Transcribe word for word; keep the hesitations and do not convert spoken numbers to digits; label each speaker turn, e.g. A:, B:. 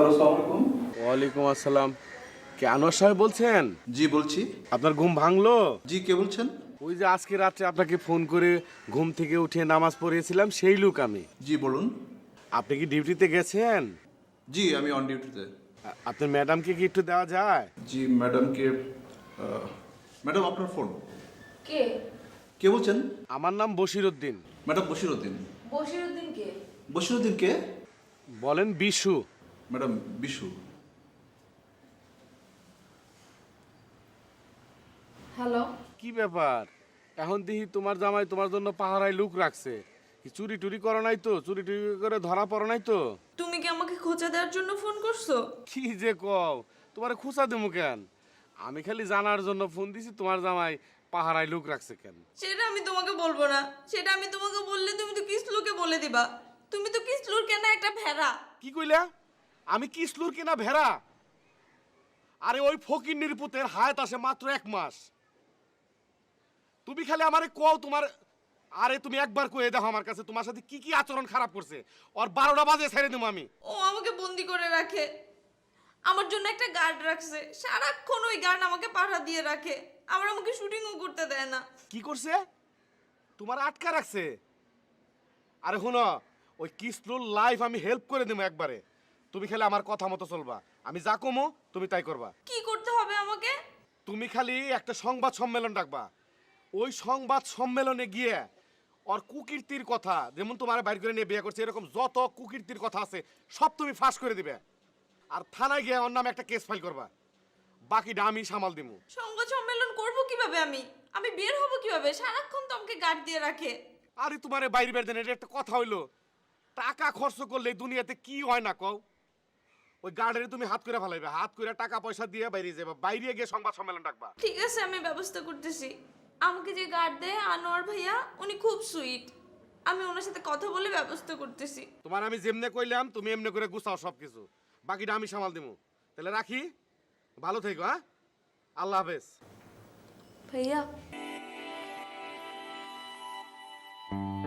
A: Hello, আসসালামু আলাইকুম।
B: ওয়ালাইকুম আসসালাম। কে আনোয়ার সাহেব বলছেন?
A: জি বলছি।
B: আপনার ঘুম ভাঙলো?
A: জি, কে বলছেন?
B: ওই যে আজকে রাত্রে আপনাকে ফোন করে ঘুম থেকে উঠে নামাজ পড়িয়েছিলাম সেই লোক আমি।
A: জি বলুন।
B: আপনি কি ডিউটিতে গেছেন?
A: জি, আমি অন ডিউটিতে।
B: আ- আপনার ম্যাডামকে কি একটু দেওয়া যায়?
A: জি ম্যাডামকে, ম্যাডাম আপনার ফোন।
C: কে?
A: কে বলছেন?
B: আমার নাম বশির উদ্দিন।
A: ম্যাডাম বশিরউদ্দিন।
C: বশিরউদ্দিন কে?
A: বশিরউদ্দিন কে?
B: বলেন বিশু।
A: ম্যাডাম বিশু।
C: হ্যালো।
B: কি ব্যাপার? এখন দেখি তোমার জামাই তোমার জন্য পাহারায় লুক রাখছে। কি চুরি টুরি করো নাই তো? চুরি টুরি করে ধরা পড়ো নাই তো?
C: তুমি কি আমাকে খোঁচা দেওয়ার জন্য ফোন করছো?
B: কি যে কও, তোমার খুঁচা দেবো কেন? আমি খালি জানার জন্য ফোন দিছি তোমার জামাই পাহারায় লুক রাখছে কেন।
C: সেটা আমি তোমাকে বলবো না। সেটা আমি তোমাকে বললে তুমি তো কিসলুকে বলে দিবা। তুমি তো কিসলুর কেন একটা ভেড়া।
B: কি কইলা? আমি কিসলুর কিনা ভেড়া? আরে ওই ফকির নির্পুতের হায়াত আসে মাত্র এক মাস। তুমি খালি আমারে কও তোমার, আরে তুমি একবার কয়ে দেখো আমার কাছে তোমার সাথে কি কি আচরণ খারাপ করছে। ওর বারোটা বাজে ছেড়ে দেবো আমি।
C: ও আমাকে বন্দি করে রাখে। আমার জন্য একটা গার্ড রাখছে। সারাক্ষণ ওই গার্ড আমাকে পাহারা দিয়ে রাখে। আবার আমাকে শুটিংও করতে দেয় না।
B: কি করছে? তোমার আটকা রাখছে? আরে শুনো, ওই কিসলুর লাইফ আমি হেল্প করে দেবো একবারে। তুমি খালি আমার কথা মতো চলবা। আমি যা কমো তুমি তাই করবা।
C: কি করতে হবে আমাকে?
B: তুমি খালি একটা সংবাদ সম্মেলন ডাকবা। ওই সংবাদ সম্মেলনে গিয়ে ওর কুকীর্তির কথা, যেমন তোমার বাইর করে নিয়ে বিয়ে করছে এরকম যত কুকীর্তির কথা আছে সব তুমি ফাঁস করে দিবে। আর থানায় গিয়ে ওর নামে একটা কেস ফাইল করবা। বাকিটা আমি সামাল দিমু।
C: সংবাদ সম্মেলন করব কিভাবে আমি? আমি বের হব কিভাবে? সারাক্ষণ তো আমাকে গার্ড দিয়ে রাখে।
B: আরে তোমার বাইরে বের দেন, এটা একটা কথা হইলো? টাকা খরচ করলে দুনিয়াতে কি হয় না কও? ওই গার্ডের তুমি হাত করে ফেলাইবে, হাত করে টাকা পয়সা দিয়ে বাইরে যাবে, বাইরে গিয়ে সংবাদ সম্মেলন ডাকবা।
C: ঠিক আছে, আমি ব্যবস্থা করতেছি। আমাকে যে গার্ড দেয় আনোয়ার ভাইয়া, উনি খুব সুইট। আমি ওনার সাথে কথা বলে ব্যবস্থা করতেছি।
B: তোমার আমি যেমনে কইলাম তুমি এমনি করে গুছাও সব কিছু। বাকিটা আমি সামাল দিমু। তাহলে রাখি, ভালো থেকো। হ্যাঁ, আল্লাহ হাফেজ।
C: ভাইয়া